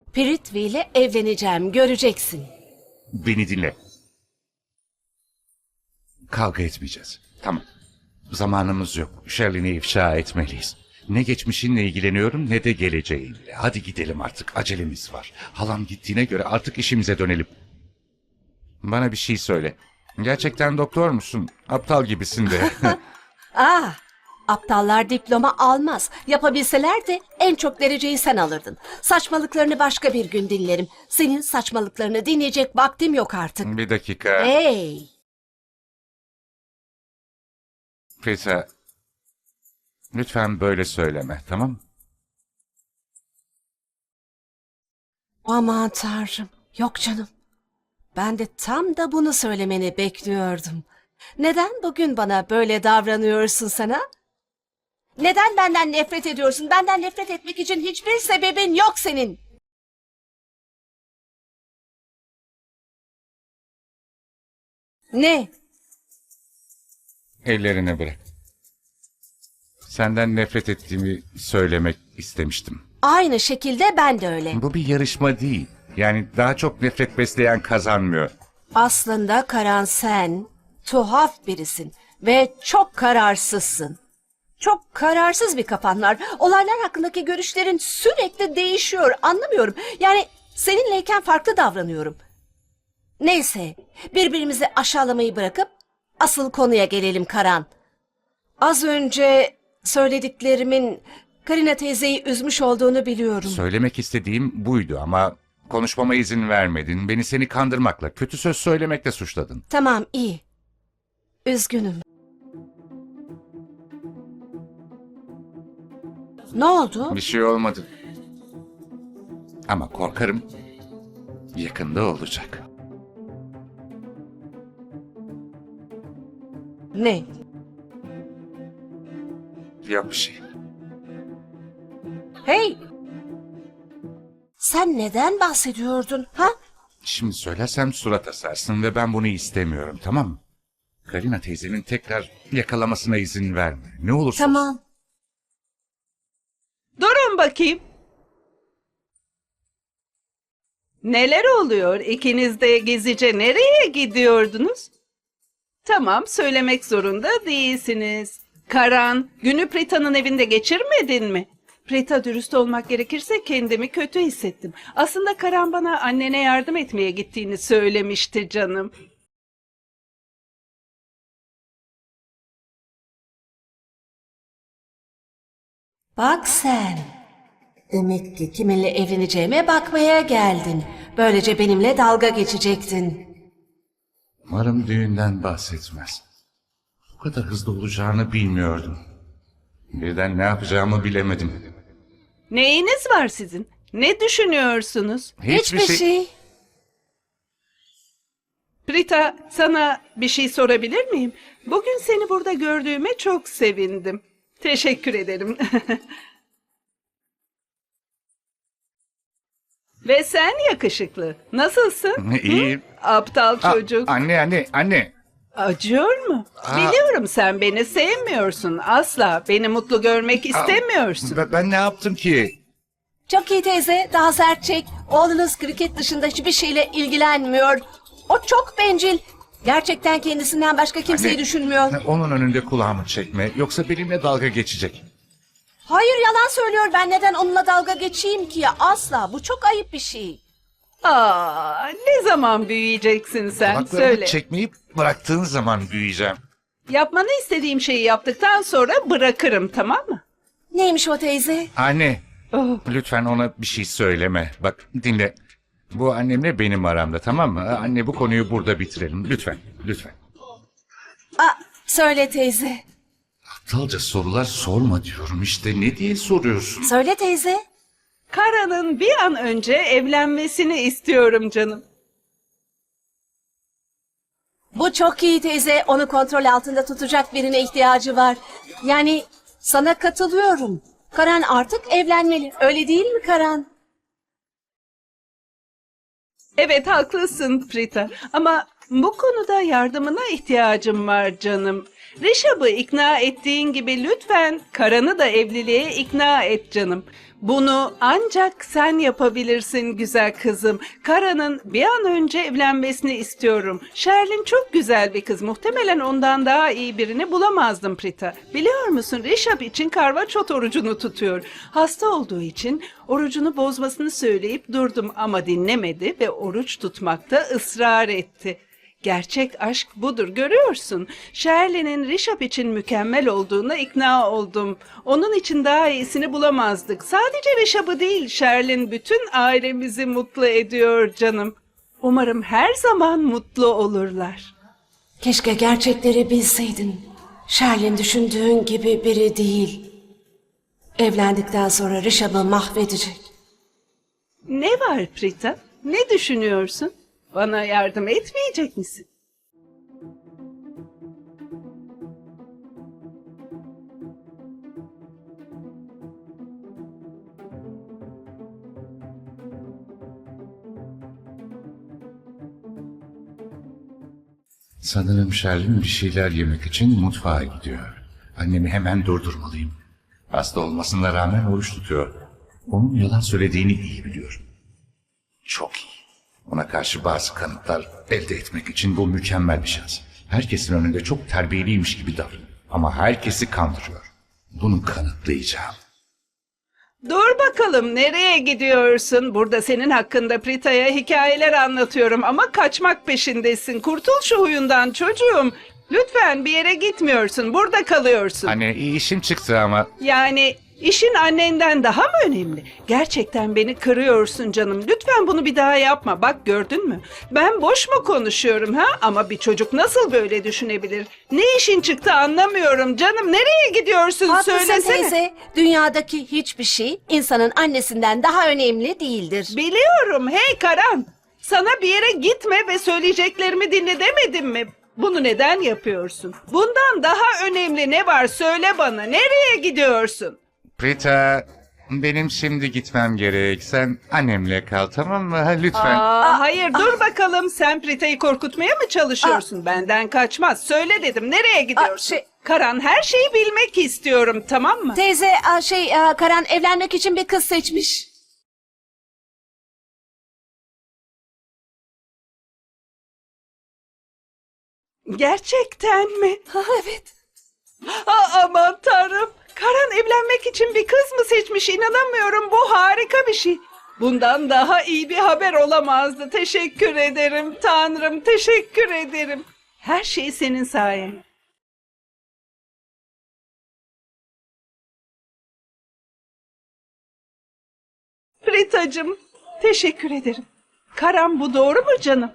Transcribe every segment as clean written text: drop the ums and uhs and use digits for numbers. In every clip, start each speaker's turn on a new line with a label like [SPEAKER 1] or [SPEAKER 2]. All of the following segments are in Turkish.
[SPEAKER 1] Prithvi ile evleneceğim, göreceksin.
[SPEAKER 2] Beni dinle. Kavga etmeyeceğiz. Tamam. Zamanımız yok. Shirley'ni ifşa etmeliyiz. Ne geçmişinle ilgileniyorum ne de geleceğinle. Hadi gidelim artık. Acelemiz var. Halam gittiğine göre artık işimize dönelim. Bana bir şey söyle. Gerçekten doktor musun? Aptal gibisin de.
[SPEAKER 1] Aptallar diploma almaz. Yapabilseler de en çok dereceyi sen alırdın. Saçmalıklarını başka bir gün dinlerim. Senin saçmalıklarını dinleyecek vaktim yok artık.
[SPEAKER 2] Bir dakika.
[SPEAKER 1] Hey!
[SPEAKER 2] Prita, lütfen böyle söyleme, tamam mı?
[SPEAKER 1] Aman tanrım. Yok canım. Ben de tam da bunu söylemeni bekliyordum. Neden bugün bana böyle davranıyorsun sana? Neden benden nefret ediyorsun? Benden nefret etmek için hiçbir sebebin yok senin. Ne?
[SPEAKER 2] Ellerini bırak. Senden nefret ettiğimi söylemek istemiştim.
[SPEAKER 1] Aynı şekilde ben de öyle.
[SPEAKER 2] Bu bir yarışma değil. Yani daha çok nefret besleyen kazanmıyor.
[SPEAKER 1] Aslında Karan sen tuhaf birisin ve çok kararsızsın. Çok kararsız bir kafan var. Olaylar hakkındaki görüşlerin sürekli değişiyor. Anlamıyorum. Yani seninleyken farklı davranıyorum. Neyse, birbirimizi aşağılamayı bırakıp asıl konuya gelelim Karan. Az önce söylediklerimin Karina teyzeyi üzmüş olduğunu biliyorum.
[SPEAKER 2] Söylemek istediğim buydu ama konuşmama izin vermedin. Beni seni kandırmakla, kötü söz söylemekle suçladın.
[SPEAKER 1] Tamam, iyi. Üzgünüm. Ne oldu?
[SPEAKER 2] Bir şey olmadı. Ama korkarım yakında olacak.
[SPEAKER 1] Ne?
[SPEAKER 2] Yok bir şey.
[SPEAKER 1] Hey! Sen neden bahsediyordun, ha?
[SPEAKER 2] Şimdi söylersem surat asarsın ve ben bunu istemiyorum, tamam mı? Karina teyzenin tekrar yakalamasına izin verme. Ne olursa olsun.
[SPEAKER 1] Tamam.
[SPEAKER 3] Durun bakayım. Neler oluyor? İkiniz de gezice nereye gidiyordunuz? Tamam, söylemek zorunda değilsiniz. Karan, günü Prita'nın evinde geçirmedin mi? Prita, dürüst olmak gerekirse kendimi kötü hissettim. Aslında Karan bana annene yardım etmeye gittiğini söylemişti canım.
[SPEAKER 1] Bak sen. Demek ki kiminle evleneceğime bakmaya geldin. Böylece benimle dalga geçecektin.
[SPEAKER 2] Umarım düğünden bahsetmez. Bu kadar hızlı olacağını bilmiyordum. Birden ne yapacağımı bilemedim.
[SPEAKER 3] Neyiniz var sizin? Ne düşünüyorsunuz?
[SPEAKER 1] Hiçbir şey.
[SPEAKER 3] Prita, sana bir şey sorabilir miyim? Bugün seni burada gördüğüme çok sevindim. Teşekkür ederim. Ve sen yakışıklı. Nasılsın?
[SPEAKER 2] İyiyim.
[SPEAKER 3] Aptal çocuk.
[SPEAKER 2] Anne.
[SPEAKER 3] Acıyor mu? Biliyorum sen beni sevmiyorsun. Asla beni mutlu görmek istemiyorsun.
[SPEAKER 2] Ben ne yaptım ki?
[SPEAKER 1] Çok iyi teyze, daha sert çek. Oğlunuz kriket dışında hiçbir şeyle ilgilenmiyor. O çok bencil. Gerçekten kendisinden başka kimseyi
[SPEAKER 2] Anne,
[SPEAKER 1] düşünmüyor.
[SPEAKER 2] Onun önünde kulağımı çekme. Yoksa benimle dalga geçecek.
[SPEAKER 1] Hayır, yalan söylüyor. Ben neden onunla dalga geçeyim ki? Asla. Bu çok ayıp bir şey.
[SPEAKER 3] Ne zaman büyüyeceksin sen?
[SPEAKER 2] Kulaklarımı
[SPEAKER 3] Söyle.
[SPEAKER 2] çekmeyip bıraktığın zaman büyüyeceğim.
[SPEAKER 3] Yapmanı istediğim şeyi yaptıktan sonra bırakırım, tamam mı?
[SPEAKER 1] Neymiş o teyze?
[SPEAKER 2] Anne,
[SPEAKER 3] Oh.
[SPEAKER 2] lütfen ona bir şey söyleme. Bak dinle. Bu annemle benim aramda, tamam mı? Anne, bu konuyu burada bitirelim. Lütfen.
[SPEAKER 1] Söyle teyze.
[SPEAKER 2] Aptalca sorular sorma diyorum işte. Ne diye soruyorsun?
[SPEAKER 1] Söyle teyze.
[SPEAKER 3] Karan'ın bir an önce evlenmesini istiyorum canım.
[SPEAKER 1] Bu çok iyi teyze. Onu kontrol altında tutacak birine ihtiyacı var. Yani sana katılıyorum. Karan artık evlenmeli. Öyle değil mi Karan?
[SPEAKER 3] Evet, haklısın Prita, ama bu konuda yardımına ihtiyacım var canım. Rişab'ı ikna ettiğin gibi lütfen Karan'ı da evliliğe ikna et canım. Bunu ancak sen yapabilirsin güzel kızım. Karan'ın bir an önce evlenmesini istiyorum. Sherlin çok güzel bir kız. Muhtemelen ondan daha iyi birini bulamazdım Prita. Biliyor musun, Rişap için karvaçot orucunu tutuyor. Hasta olduğu için orucunu bozmasını söyleyip durdum ama dinlemedi ve oruç tutmakta ısrar etti. Gerçek aşk budur, görüyorsun. Shirley'nin Rişap için mükemmel olduğuna ikna oldum. Onun için daha iyisini bulamazdık. Sadece Rişap'ı değil, Shirley bütün ailemizi mutlu ediyor canım. Umarım her zaman mutlu olurlar.
[SPEAKER 1] Keşke gerçekleri bilseydin. Sherlin düşündüğün gibi biri değil. Evlendikten sonra Rişab'ı mahvedecek.
[SPEAKER 3] Ne var Prita? Ne düşünüyorsun? Bana yardım etmeyecek misin?
[SPEAKER 2] Sanırım Sherlin bir şeyler yemek için mutfağa gidiyor. Annemi hemen durdurmalıyım. Hasta olmasına rağmen oruç tutuyor. Onun yalan söylediğini iyi biliyorum. Çok iyi. Ona karşı bazı kanıtlar elde etmek için bu mükemmel bir şans. Herkesin önünde çok terbiyeliymiş gibi davranıyor. Ama herkesi kandırıyor. Bunu kanıtlayacağım.
[SPEAKER 3] Dur bakalım, nereye gidiyorsun? Burada senin hakkında Prita'ya hikayeler anlatıyorum ama kaçmak peşindesin. Kurtul şu huyundan çocuğum. Lütfen bir yere gitmiyorsun, burada kalıyorsun.
[SPEAKER 2] Anne işim çıktı ama
[SPEAKER 3] Yani işin annenden daha mı önemli? Gerçekten beni kırıyorsun canım. Lütfen bunu bir daha yapma. Bak, gördün mü? Ben boş mu konuşuyorum ha? Ama bir çocuk nasıl böyle düşünebilir? Ne işin çıktı anlamıyorum canım. Nereye gidiyorsun?
[SPEAKER 1] Haklısın
[SPEAKER 3] Söylesene.
[SPEAKER 1] teyze. Dünyadaki hiçbir şey insanın annesinden daha önemli değildir.
[SPEAKER 3] Biliyorum. Hey Karan. Sana bir yere gitme ve söyleyeceklerimi dinle demedim mi? Bunu neden yapıyorsun? Bundan daha önemli ne var? Söyle bana. Nereye gidiyorsun?
[SPEAKER 2] Prita, benim şimdi gitmem gerek. Sen annemle kal, tamam mı? Ha, lütfen.
[SPEAKER 3] Hayır, dur bakalım. Sen Prita'yı korkutmaya mı çalışıyorsun? Benden kaçmaz. Söyle dedim. Nereye gidiyorsun? Karan, her şeyi bilmek istiyorum, tamam mı?
[SPEAKER 1] Teyze Karan evlenmek için bir kız seçmiş.
[SPEAKER 3] Gerçekten mi?
[SPEAKER 1] Evet.
[SPEAKER 3] Aman tanrım. Karan evlenmek için bir kız mı seçmiş? İnanamıyorum. Bu harika bir şey. Bundan daha iyi bir haber olamazdı. Teşekkür ederim Tanrım. Teşekkür ederim. Her şey senin sayen. Pritacığım, teşekkür ederim. Karan, bu doğru mu canım?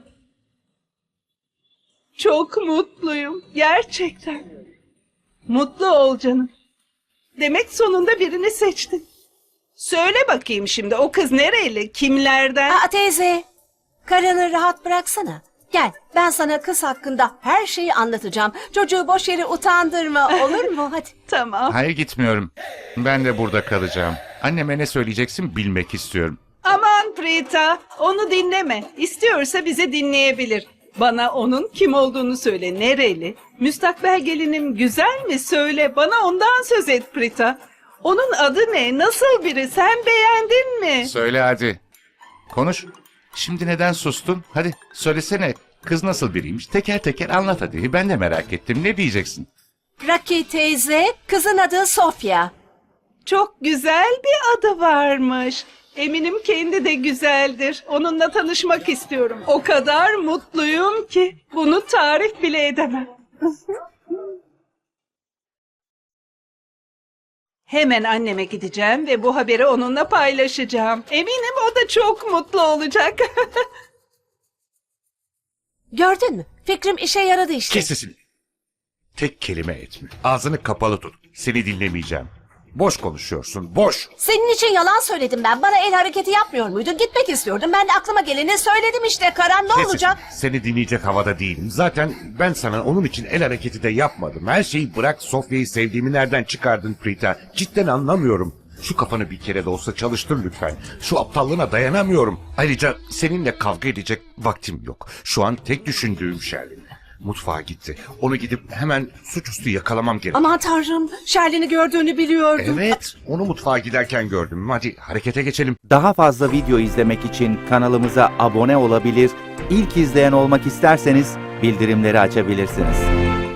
[SPEAKER 3] Çok mutluyum. Gerçekten. Mutlu ol canım. Demek sonunda birini seçtin. Söyle bakayım şimdi, o kız nereli? Kimlerden?
[SPEAKER 1] Teyze, Karan'ı rahat bıraksana. Gel, ben sana kız hakkında her şeyi anlatacağım. Çocuğu boş yere utandırma, olur mu? Hadi.
[SPEAKER 3] Tamam.
[SPEAKER 2] Hayır, gitmiyorum. Ben de burada kalacağım. Anneme ne söyleyeceksin bilmek istiyorum.
[SPEAKER 3] Aman Prita, onu dinleme. İstiyorsa bizi dinleyebilir. Bana onun kim olduğunu söyle. Nereli? Müstakbel gelinim güzel mi? Söyle. Bana ondan söz et Prita. Onun adı ne? Nasıl biri? Sen beğendin mi?
[SPEAKER 2] Söyle hadi. Konuş. Şimdi neden sustun? Hadi söylesene. Kız nasıl biriymiş? Teker teker anlat hadi. Ben de merak ettim. Ne diyeceksin?
[SPEAKER 1] Raki teyze, kızın adı Sofya.
[SPEAKER 3] Çok güzel bir adı varmış. Eminim kendi de güzeldir. Onunla tanışmak istiyorum. O kadar mutluyum ki bunu tarif bile edemem. Hemen anneme gideceğim ve bu haberi onunla paylaşacağım. Eminim o da çok mutlu olacak.
[SPEAKER 1] Gördün mü? Fikrim işe yaradı işte.
[SPEAKER 2] Kes sesini. Tek kelime etme. Ağzını kapalı tut. Seni dinlemeyeceğim. Boş konuşuyorsun. Boş.
[SPEAKER 1] Senin için yalan söyledim ben. Bana el hareketi yapmıyor muydun? Gitmek istiyordum. Ben de aklıma geleni söyledim işte. Karan ne
[SPEAKER 2] Kes
[SPEAKER 1] olacak?
[SPEAKER 2] sesini. Seni dinleyecek havada değilim. Zaten ben sana onun için el hareketi de yapmadım. Her şeyi bırak, Sofya'yı sevdiğimi nereden çıkardın Prita? Cidden anlamıyorum. Şu kafanı bir kere de olsa çalıştır lütfen. Şu aptallığına dayanamıyorum. Ayrıca seninle kavga edecek vaktim yok. Şu an tek düşündüğüm Sherlin. Mutfağa gitti. Onu gidip hemen suçüstü yakalamam gerek.
[SPEAKER 1] Aman tanrım, Şerlin'i gördüğünü biliyordum.
[SPEAKER 2] Evet, onu mutfağa giderken gördüm. Hadi harekete geçelim.
[SPEAKER 4] Daha fazla video izlemek için kanalımıza abone olabilir, ilk izleyen olmak isterseniz bildirimleri açabilirsiniz.